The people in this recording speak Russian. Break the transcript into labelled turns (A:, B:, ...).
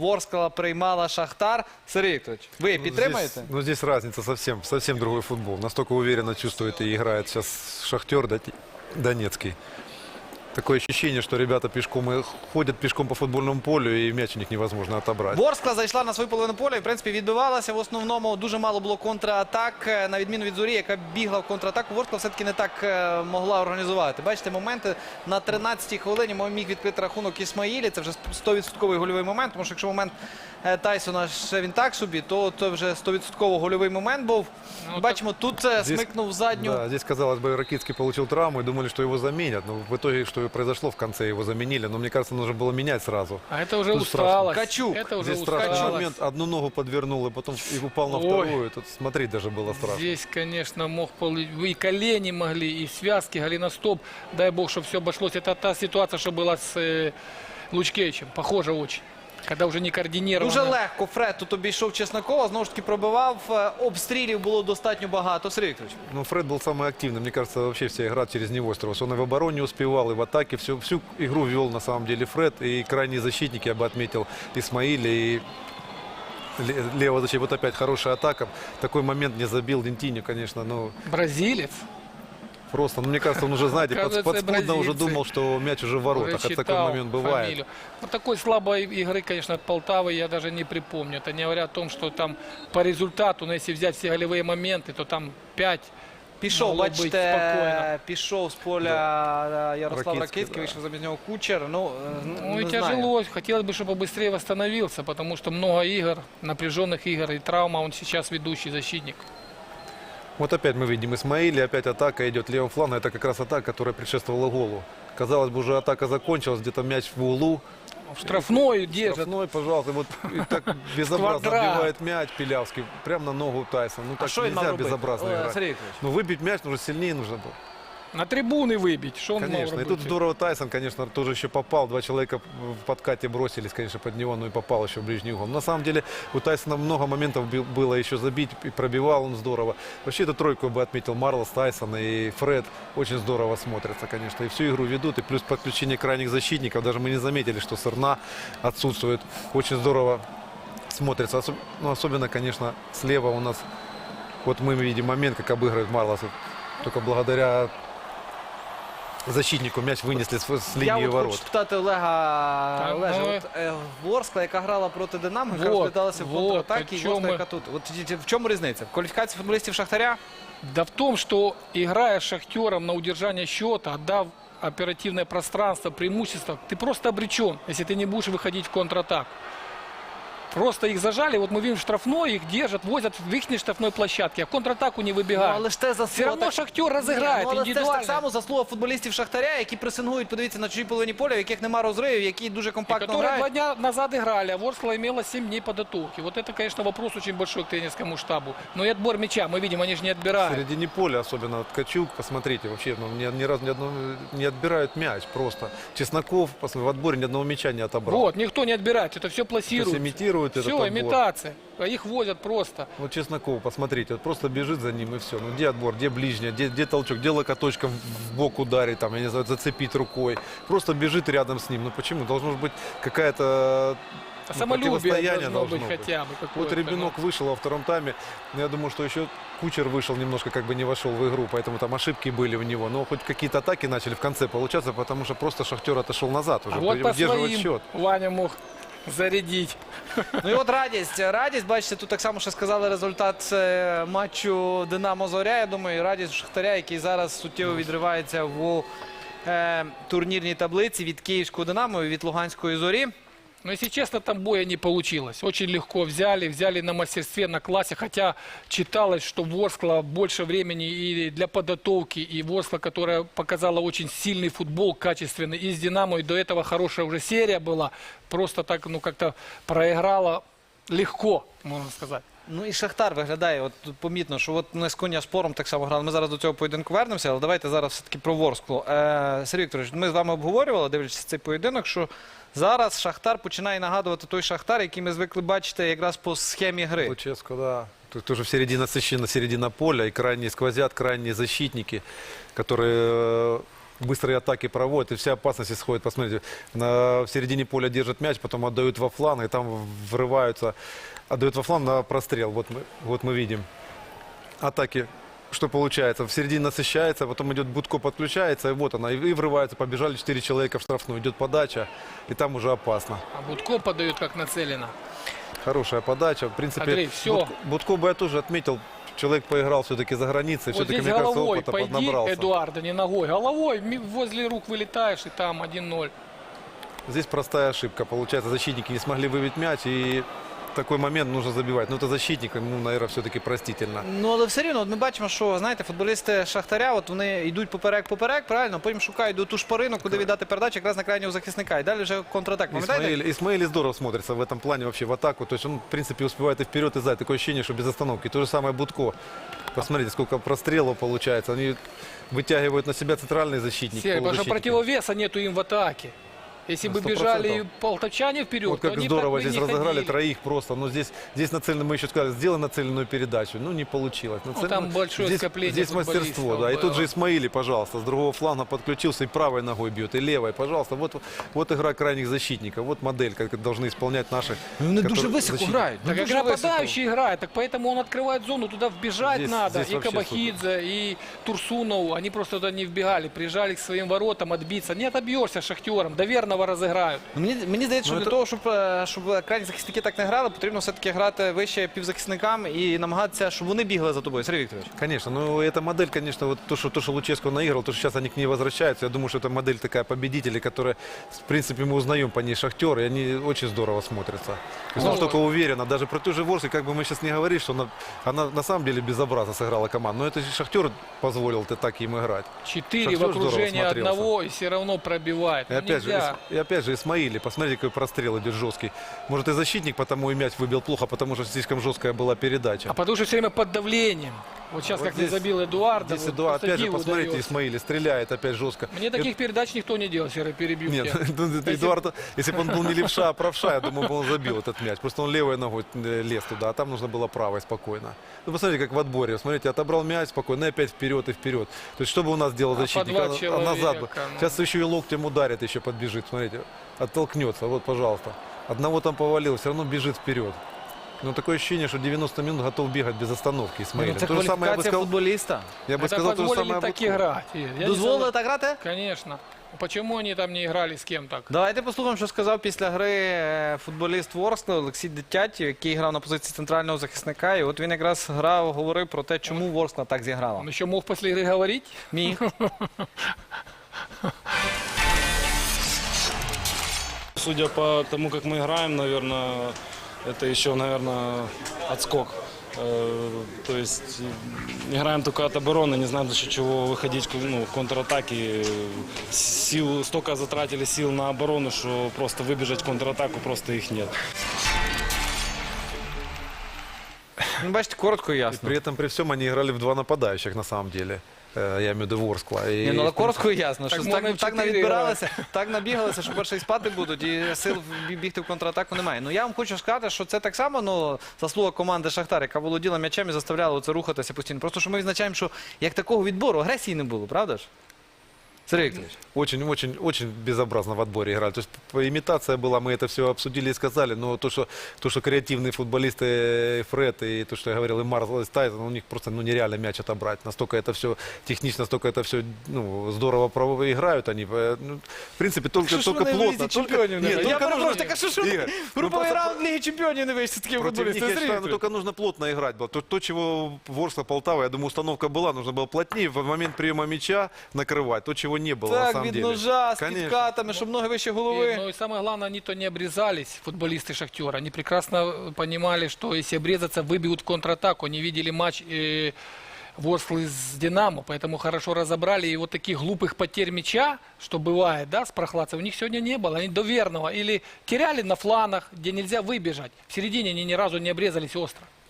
A: Ворскла приймала Шахтар. Сергій Вікторович, ви підтримуєте?
B: Здесь разница совсем другой футбол. Настолько уверенно чувствует и играет сейчас Шахтер Донецкий. Такое ощущение, что ребята пешком ходят пешком по футбольному полю, и мяч у них невозможно отобрать.
A: Ворскла зайшла на свою половину поля і, в принципі, відбивалася. В основному дуже мало було контратак. На відміну від Зорі, яка бігла в контратаку, Ворскла все-таки не так могла організувати. Бачите, моменти на 13-й хвилині міг відкрити рахунок Ісмаїлі. Це вже 100% гольовий момент, тому що якщо момент Тайсона ще він так собі, то це вже 100% гольовий момент був. Бачимо, тут смикнув задню.
B: Да, здесь, казалось бы, Ракицкий получил травму и думали, что его заменят. Но в итоге, что и произошло в конце, его заменили. Но мне кажется, нужно было менять сразу.
C: А это уже
B: Тут
C: усталость.
A: Качук.
C: Это уже
B: Здесь страшный
C: усталость.
B: момент. Одну ногу подвернул, и потом и упал на вторую. Тут смотреть даже было страшно.
C: Здесь, конечно, и колени могли, и связки, голеностоп. Дай бог, чтобы все обошлось. Это та ситуация, что была с Лучкевичем. Похоже очень. Когда уже не координировано.
A: Дуже легко Фред тут обійшов Чеснокова, знову ж таки пробивав. Обстрілів було достатньо багато. Сергій Вікторович.
B: Ну, Фред был самый активный. Мне кажется, вообще вся игра через него строилась. Он и в обороне успевал, и в атаке. Всю игру вел на самом деле Фред. И крайние защитники, я бы отметил, Исмаиля и левого защиты. Вот опять хорошая атака. Такой момент не забил Дентиньо, конечно. Ну,
C: Бразилец.
B: просто, ну, мне кажется, он уже, знаете,
C: Оказывается,
B: подспудно уже
C: бразильцы.
B: думал, что мяч уже в воротах.
C: Уже
B: Это такой
C: читал
B: момент бывает.
C: фамилию. Вот такой слабой игры, конечно, от Полтавы я даже не припомню. Это не говоря о том, что там по результату, но если взять все голевые моменты, то там 5.
A: Пішов,
C: Могло
A: бачите,
C: бути
A: пішов з поля Ярослав
B: Ракицький,
A: Ракицький,
B: да.
A: вийшов замість нього Кучер. Ну,
C: Ну и
A: не знаю.
C: тяжело. Хотелось бы, чтобы побыстрее восстановился, потому что много игр, напряженных игр и травма. Он сейчас ведущий защитник.
B: Вот опять мы видим Исмаиля, опять атака идет левым флангом. Это как раз атака, которая предшествовала голу. Казалось бы, уже атака закончилась, где-то мяч в углу.
C: В штрафной держит.
B: Штрафной, пожалуйста, вот и так безобразно
C: Квадрат.
B: отбивает мяч Пилявский, прямо на ногу Тайсона. Ну
A: А
B: так
A: що він мав
B: нельзя
A: робити?
B: безобразно играть.
A: Сергій Вікторович.
B: Ну выбить мяч нужно сильнее нужно было.
C: На трибуны выбить. Что он мог
B: Конечно. И
C: робити?
B: тут здорово Тайсон, конечно, тоже еще попал. Два человека в подкате бросились, конечно, под него, но и попал еще в ближний угол. На самом деле у Тайсона много моментов было еще забить, и пробивал он здорово. Вообще эту тройку бы отметил Марлос, Тайсон и Фред. Очень здорово смотрятся, конечно. И всю игру ведут. И плюс подключение крайних защитников. Даже мы не заметили, что Сырна отсутствует. Очень здорово смотрится. Ну, особенно, конечно, слева у нас. Вот мы видим момент, как обыгрывает Марлос. Только благодаря защитнику мяч винесли з
A: Я
B: лінії
A: от хочу
B: ворот.
A: спитати Олега.
C: Так,
A: Олеже,
C: ну,
A: от, Ворскла, яка грала проти Динамо, яка
C: Вот,
A: розглядалася в
C: вот,
A: контратакі,
C: о
A: і
C: чому
A: Ворскла,
C: ми-
A: яка тут. От в чому різниця? В кваліфікації футболістів Шахтаря?
C: Да в том, что играя с Шахтером на удержание счета, отдав оперативное пространство, преимущество, ты просто обречен, если ты не будешь выходить в контратаку. Просто их зажали, вот мы видим штрафной, их держат, возят в их штрафной площадке, а в контратаку не
A: Ну,
C: выбегают.
A: але ж те заслуга.
C: Все равно
A: так-
C: Шахтер
A: Ні,
C: разыграет
A: ну, але це ж так
C: индивидуально.
A: само заслуга футболістів Шахтаря, які пресингують, подивіться, на чужій половині поля, в яких нема розривів, які дуже
C: И
A: компактно
C: которые 2
A: грають.
C: дня назад играли, а Ворскла имела 7 дней подготовки. Вот это, конечно, вопрос очень большой к тренерскому штабу. Но и отбор мяча, мы видим, они же не
B: В
C: отбирают.
B: середине поля, особенно Ткачук, посмотрите, вообще ну, ни разу не отбирают мяч просто. Чесноков в отборе ни одного мяча не отобрал.
C: Вот, никто не отбирает, это все
B: То есть
C: пласируется.
B: имитируют этот
C: Все,
B: отбор.
C: имитация. А их возят просто.
B: Вот Чесноков, посмотрите, вот просто бежит за ним и все. Ну где отбор, где ближняя, где толчок, где локоточком в бок ударить, там, я не знаю, зацепить рукой. Просто бежит рядом с ним. Ну почему? Должно же быть какая-то ну,
C: Самолюбие
B: противостояние
C: должно быть хотя бы.
B: Вот
C: какое-то,
B: Ребенок вышел во втором тайме. Но я думаю, что еще Кучер вышел немножко, как бы не вошел в игру, поэтому там ошибки были у него. Но хоть какие-то атаки начали в конце получаться, потому что просто Шахтер отошел назад уже,
C: А вот по
B: удерживать
C: своим
B: счет.
C: Ваня мог зарядить.
A: Ну і от радість, бачите, тут так само ще сказали результат матчу Динамо-Зоря. Я думаю, і радість Шахтаря, який зараз суттєво відривається в турнірній таблиці від Київського Динамо і від Луганської Зорі.
C: Но, если честно, там боя не получилось. Очень легко взяли на мастерстве, на классе. Хотя читалось, что Ворскла больше времени и для подготовки. И Ворскла, которая показала очень сильный футбол, качественный. И с Динамо, и до этого хорошая уже серия была. Просто так, ну, как-то проиграла легко, можно сказать.
A: Ну і Шахтар виглядає, от тут помітно, що от ми з Коня-Спором так само грали. Ми зараз до цього поєдинку вернемося, але давайте зараз все-таки про Ворсклу. Сергій Вікторович, ми з вами обговорювали, дивлячись цей поєдинок, що зараз Шахтар починає нагадувати той Шахтар, який ми звикли бачити якраз по схемі гри.
B: Луческо, да. Тут тоже в середина насыщена середина поля, и крайние сквозят, крайние защитники, которые быстрые атаки проводят, и вся опасность исходит. Посмотрите, в середине поля держат мяч, потом отдают во фланг, и там врываются, отдают во фланг на прострел. Вот мы видим атаки. Что получается? В середине насыщается, потом идет Будко, подключается, и вот она, и врывается, побежали 4 человека в штрафную, идет подача, и там уже опасно.
C: А Будко подает как нацелено.
B: Хорошая подача. В принципе,
C: Андрей, всё.
B: Будко бы я тоже отметил, человек поиграл все-таки за границей,
C: Вот
B: все-таки,
C: здесь
B: мне кажется,
C: головой
B: опыта
C: пойди,
B: поднабрался.
C: Эдуарда, не ногой. Головой возле рук вылетаешь, и там 1-0.
B: Здесь простая ошибка. Получается, защитники не смогли выбить мяч, и в такой момент нужно забивать. Ну, это защитник, ему, наверное, все-таки простительно.
A: Ну, але все рівно, от ми бачимо, що, знаєте, футболісти Шахтаря, от вони йдуть поперек, правильно, потім шукають до ту шпарину, куди віддати передачу, якраз на крайнього захисника. І далі вже контратак. Пам'ятаєте?
B: Исмаили здорово смотрится в этом плане вообще в атаку. То есть он, в принципе, успевает и вперед, и сзади. Такое ощущение, что без остановки. То же самое Будко. Посмотрите, сколько прострелов получается. Они вытягивают на себя центральные защитники.
C: Серый, потому что
B: полузащитники.
C: противовеса нету им в атаке. Если бы
B: 100%.
C: бежали полтовчане вперед,
B: Вот
C: то
B: как
C: они
B: здорово
C: так бы
B: здесь
C: не
B: разыграли
C: ходили.
B: троих просто. Но здесь нацеленно, мы еще сказали, сделай нацеленную передачу. Ну, не получилось.
C: там большое
B: здесь,
C: скопление
B: здесь мастерство,
C: футболистов
B: да. И
C: было.
B: тут же Исмаили, пожалуйста, с другого фланга подключился и правой ногой бьет, и левой, пожалуйста. Вот игра крайних защитников. Вот модель, как должны исполнять наши.
A: Вони
B: которые-
A: дуже високо
B: защитники.
A: грають.
C: Так
A: дуже
C: как
A: високо.
C: нападающий играет, так поэтому он открывает зону, туда вбежать
B: Здесь-
C: надо.
B: здесь
C: И
B: вообще
C: Кабахидзе, и Турсунов, они просто туда не вбегали, прижали к своим воротам отбиться. Не отобьешься Шахтером, до верного разыграют.
A: Ну, мені здається, що
B: Ну,
A: для
B: це-
A: того, щоб крайні захисники так не грали, потрібно все-таки грати вище півзахисникам і намагатися, щоб вони бігли за тобою. Сергій Вікторович.
B: Конечно, ну эта модель, конечно, вот то, что Луческо наиграл, то, что сейчас они к ней возвращаются, я думаю, что это модель такая победителей, которая, в принципе, мы узнаем по ней Шахтер, и они очень здорово смотрятся. То есть
C: Ну,
B: настолько уверенно, даже про ту же Ворске, как бы мы сейчас не говорили, что она на самом деле безобразно сыграла команду, но это же Шахтер позволил так им играть.
C: 4 в
B: Шахтер здорово
C: окружении
B: смотрелся.
C: одного и все равно пробивает.
B: И
C: Ну,
B: опять,
C: нельзя.
B: же Исмаили, посмотрите, какой прострел идет жесткий. Может, и защитник потому и мяч выбил плохо, потому что слишком жесткая была передача.
C: А потому что все время под давлением. Вот сейчас
B: Вот
C: как не
B: здесь-
C: забил Эдуарда.
B: Здесь
C: вот
B: Эдуард,
C: просто
B: опять же,
C: диву
B: посмотрите,
C: даёшь.
B: Исмаили стреляет опять жестко.
C: Мне таких передач никто не делал, Серый, перебью
B: Нет,
C: тебя.
B: Эдуард, если бы он был не левша, а правша, я думаю, бы он забил этот мяч. Просто он левой ногой лез туда, а там нужно было правой спокойно. Ну, посмотрите, как в отборе. Смотрите, отобрал мяч спокойно, и опять вперед и вперед. То есть, что бы у нас делал
C: А по
B: защитник?
C: два
B: А назад бы.
C: человека, ну.
B: Сейчас еще и локтем ударит, еще подбежит. Смотрите, оттолкнется. Вот, пожалуйста. Одного там повалил, все равно бежит вперед. Но такое ощущение, что 90 минут готов бегать без остановки Исмаиль.
A: Це
B: То же самое я бы
A: кваліфікація
B: сказал,
A: футболіста.
B: я бы
C: Это
B: сказал то же
C: позволили
B: самое.
C: так
B: Будко.
C: играть. Я не
A: Дозволили
C: согласен.
A: так грати?
C: Конечно. Почему они там не играли с кем так?
A: Давайте послухаємо, що сказав після гри футболіст Ворскли Олексій Дитятів, який грав на позиції центрального захисника. І от він якраз говорив про те, чому Ворскла так зіграла.
C: Он еще мог после игры говорить?
A: Міг.
D: Судя по тому, как мы играем, наверное, это еще, наверное, отскок. То есть играем только от обороны, не знаем, за счет чего выходить в контратаке. Столько затратили сил на оборону, что просто выбежать в контратаку просто их нет.
A: Ну, бачите, коротко і
B: И
A: ясно.
B: при этом, при всем, они играли в два нападающих, на самом деле. Я имею в виду Ворскла. И,
A: Ні, ну, але коротко і ясно,
C: Так
A: що
C: можна
A: так,
C: в
A: так
C: 4
A: навідбиралися, так набігалися, що перше і спати будуть, і сил бігти в контратаку немає. Ну я вам хочу сказати, що це так само заслуга команди Шахтар, яка володіла м'ячем і заставляла це рухатися постійно. Просто що ми відзначаємо, що як такого відбору агресії не було, правда ж? Сергій Вікторович.
B: Очень безобразно в отборе играли. То есть имитация была, мы это все обсудили и сказали, но то, что креативные футболисты Фред и то, что я говорил, и Марл, и Тайсон, у них просто нереально мяч отобрать. Настолько это все технично, настолько это все здорово играют они. Ну, в принципе, только плотно.
A: Чемпіонів не
B: Нет,
A: вийшло. Я
B: только
A: перепрошую,
B: нужно-
A: так а що ж
B: Игорь, ну
A: груповий
B: просто
A: раунд Ліги Чемпіонів не вийшли з такими
B: против них,
A: футболістами.
B: я
A: Сергій
B: считаю,
A: Вікторович.
B: только нужно плотно играть было. То, чего Ворскла, Полтава, я думаю, установка была, нужно было плотнее в момент приема мяча накрывать. То, чего не было на
A: Так,
B: самом
A: від
B: деле.
A: ножа, з
B: Конечно.
A: підкатами, щоб ноги вище голови.
C: Ну и самое главное, они-то не обрезались, футболисты Шахтера. Они прекрасно понимали, что если обрезаться, выбьют в контратаку. Они видели матч Ворсклы с Динамо, поэтому хорошо разобрали. И вот таких глупых потерь мяча, что бывает, да, с прохладцем, у них сегодня не было. Они до верного или теряли на фланах, где нельзя выбежать. В середине они ни разу не обрезались остро.